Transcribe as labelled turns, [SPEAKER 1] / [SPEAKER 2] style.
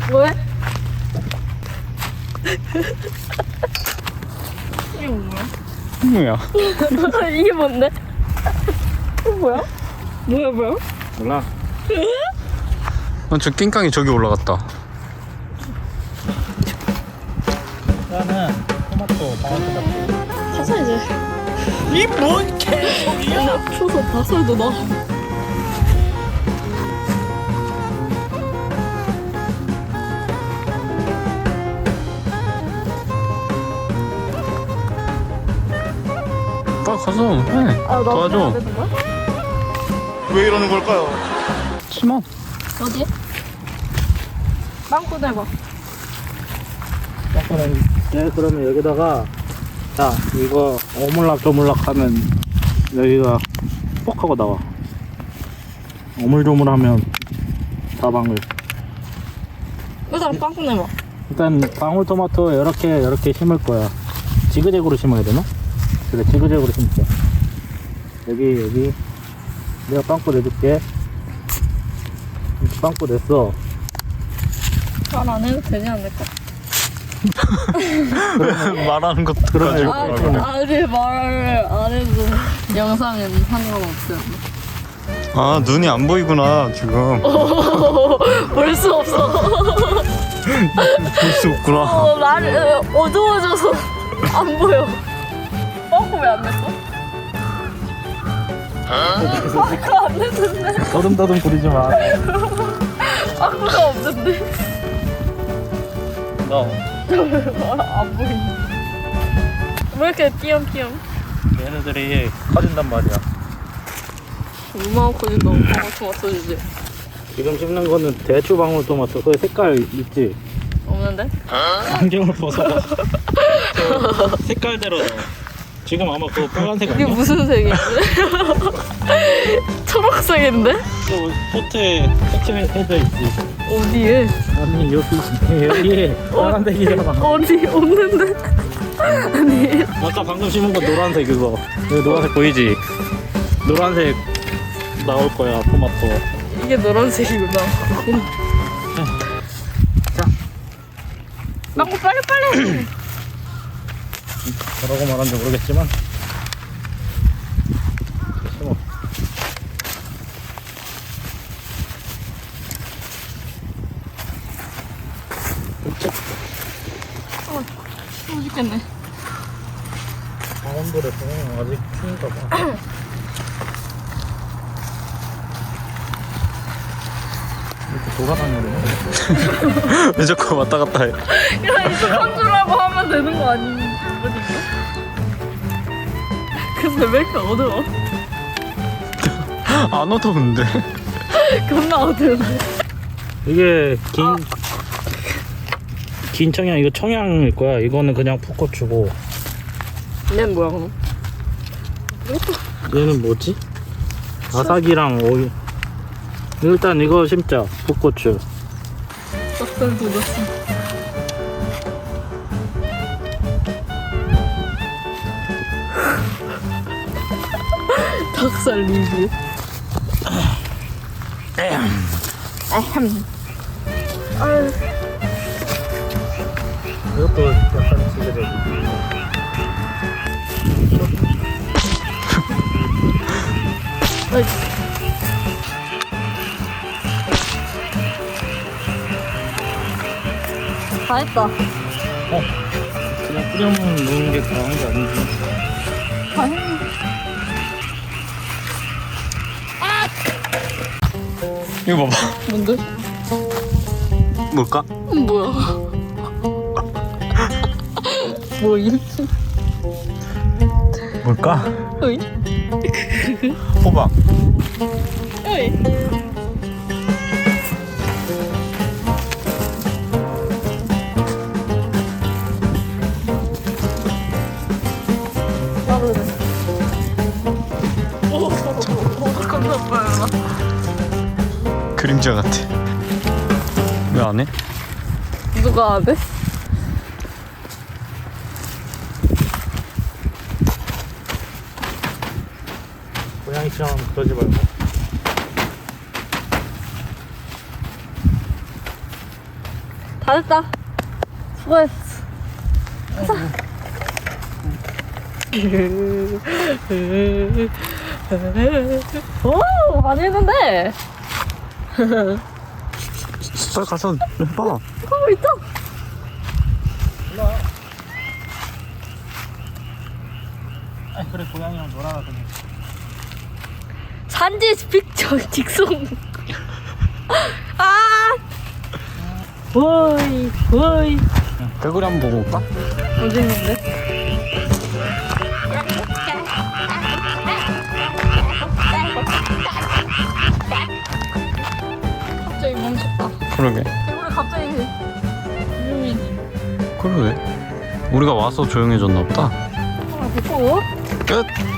[SPEAKER 1] 뭐해? 이게 뭐야?
[SPEAKER 2] 뭐야?
[SPEAKER 1] 이게 뭔데? 이거 뭐야? 뭐야?
[SPEAKER 3] 몰라.
[SPEAKER 2] 저 낑깡이 저기 올라갔다.
[SPEAKER 3] 나는 토마토, 방울토마토.
[SPEAKER 1] 바사 이제.
[SPEAKER 3] 이 뭔 개소리야?
[SPEAKER 1] 추워서 바살도 나.
[SPEAKER 2] 빨리 가서 해. 도와줘.
[SPEAKER 3] 왜 이러는 걸까요?
[SPEAKER 2] 심어.
[SPEAKER 1] 어디? 빵꾸 대봐.
[SPEAKER 3] 네, 그러면 여기다가 자 이거 오물락조물락 하면 여기가 뻑 하고 나와. 오물조물하면 다방울.
[SPEAKER 1] 일단 빵꾸 내봐.
[SPEAKER 3] 일단 방울토마토 이렇게 심을 거야. 지그재그로 심어야 되나? 그래, 지그재그로 심자. 여기 내가 빵꾸 내줄게. 빵꾸 냈어.
[SPEAKER 1] 말 안 해도 되지 않을까?
[SPEAKER 2] 말하는 것도
[SPEAKER 3] 그러네.
[SPEAKER 2] 가지고.
[SPEAKER 1] 아니 말을 안 해도 영상은 상관없어요.
[SPEAKER 2] 아, 눈이 안 보이구나 지금.
[SPEAKER 1] 볼 수 없어.
[SPEAKER 2] 볼 수 없구나.
[SPEAKER 1] 날이 어두워져서 안 보여. 빵꾸 왜 안 냈어? 빵꾸 안 냈는데.
[SPEAKER 3] 더듬더듬 부리지 마.
[SPEAKER 1] 빵꾸가 없는데.
[SPEAKER 3] 너
[SPEAKER 1] 안 보이네. 왜 이렇게 띄엄띄엄?
[SPEAKER 3] 얘네들이 커진단 말이야.
[SPEAKER 1] 얼마나 커진다고 방울토마토 주지?
[SPEAKER 3] 지금 심는 거는 대추 방울토마토. 그 색깔 있지?
[SPEAKER 1] 없는데?
[SPEAKER 3] 안경을 벗어봐. 저 색깔대로 넣어. 지금 아마 그거 빨간색
[SPEAKER 1] 이게
[SPEAKER 3] 아니야?
[SPEAKER 1] 무슨 색이지? 초록색인데?
[SPEAKER 3] 저 포트에 색칠해져 있지.
[SPEAKER 1] 어디에?
[SPEAKER 3] 아니 여기에 빨간색이잖아.
[SPEAKER 1] 어디? 없는데? 아니
[SPEAKER 3] 아까 방금 심은 거 노란색 그거. 여기 노란색 보이지? 노란색 나올 거야 토마토.
[SPEAKER 1] 이게 노란색이구나.
[SPEAKER 3] 자.
[SPEAKER 1] 빵꾸 빨리.
[SPEAKER 3] 뭐라고 말하는지 모르겠지만 심어.
[SPEAKER 1] 추워 죽겠네.
[SPEAKER 3] 강원도에서 아직 추운가 봐. 이렇게 돌아다녀야
[SPEAKER 2] 왜 자꾸 왔다 갔다 해?
[SPEAKER 1] 야 이상한 줄알고 하면 되는 거 아니니? 근데 왜 이렇게 어두워?
[SPEAKER 2] 안 어두운데?
[SPEAKER 1] 겁나 어두운데.
[SPEAKER 3] 이게 긴 청양, 이거 청양일 거야. 이거는 그냥 풋고추고.
[SPEAKER 1] 얘는 뭐야 그럼?
[SPEAKER 3] 얘는 뭐지? 아삭이랑 오이. 일단 이거 심자. 풋고추.
[SPEAKER 1] 닭살 돋았어. 닭살 리뷰. 아휴.
[SPEAKER 3] 이것도 약간 지그재그.
[SPEAKER 1] 아이. 다 했다.
[SPEAKER 3] 그냥 뿌려만 놓는 게 다한 게 아니지.
[SPEAKER 1] 다 했네.
[SPEAKER 2] 이거 봐봐.
[SPEAKER 1] 뭔데?
[SPEAKER 2] 뭘까?
[SPEAKER 1] 뭐야? 뭐임?
[SPEAKER 2] 뭘까?
[SPEAKER 1] 어이?
[SPEAKER 2] 호박.
[SPEAKER 1] 어이? 빠르네. 오, 겁나 빨라.
[SPEAKER 2] 그림자 같아. 왜 안 해?
[SPEAKER 1] 누가 안 해?
[SPEAKER 3] 고양이처럼 그러지 말고.
[SPEAKER 1] 다 됐다. 수고했어. 가자. 오, 많이 했는데.
[SPEAKER 2] 빨리 가서 해봐.
[SPEAKER 1] 하고 있다.
[SPEAKER 3] 아 그래 고양이랑 놀아라 그냥.
[SPEAKER 1] 산지 픽처 직송. 아. 오이 오이.
[SPEAKER 2] 개구리 한번 보고 올까?
[SPEAKER 1] 어디 있는데? 갑자기 멈췄다.
[SPEAKER 2] 그러게.
[SPEAKER 1] 개구리 갑자기 조용해지.
[SPEAKER 2] 그러게. 우리가 와서 조용해졌나 보다.
[SPEAKER 1] 하나 붙고.
[SPEAKER 2] 끝.